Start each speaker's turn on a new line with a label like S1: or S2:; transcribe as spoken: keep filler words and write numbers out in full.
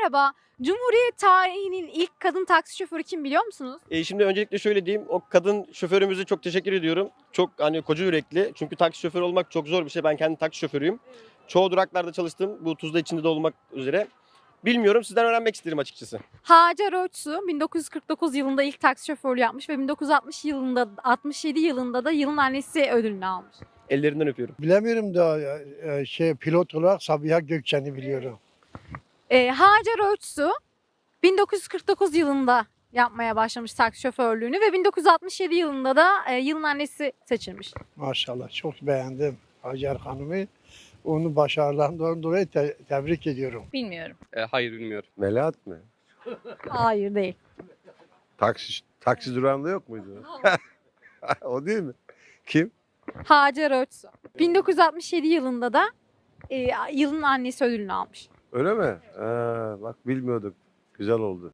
S1: Merhaba. Cumhuriyet tarihinin ilk kadın taksi şoförü kim biliyor musunuz?
S2: E, şimdi öncelikle şöyle diyeyim. O kadın şoförümüze çok teşekkür ediyorum. Çok hani koca yürekli. Çünkü taksi şoförü olmak çok zor bir şey. Ben kendi taksi şoförüyüm. Çoğu duraklarda çalıştım. Bu Tuzla içinde de olmak üzere. Bilmiyorum, sizden öğrenmek isterim açıkçası.
S1: Hacer Öçsu bin dokuz yüz kırk dokuz yılında ilk taksi şoförlüğü yapmış ve bin dokuz yüz altmış yılında altmış yedi yılında da yılın annesi ödülünü almış.
S2: Ellerinden öpüyorum.
S3: Bilemiyorum da e, şey pilot olarak Sabiha Gökçen'i biliyorum.
S1: Ee, Hacer Öçsu bin dokuz yüz kırk dokuz yılında yapmaya başlamış taksi şoförlüğünü ve bin dokuz yüz altmış yedi yılında da e, yılın annesi seçilmiş.
S3: Maşallah çok beğendim Hacer Hanım'ı. Onun başarılarından dolayı te- tebrik ediyorum.
S4: Bilmiyorum.
S5: E, hayır bilmiyorum.
S6: Melahat mı?
S1: Hayır değil.
S6: Taksi, taksi durağında yok muydu? O değil mi? Kim?
S1: Hacer Öçsu. bin dokuz yüz altmış yedi yılında da e, yılın annesi ödülünü almış.
S6: Öyle mi? Ha, bak bilmiyorduk. Güzel oldu.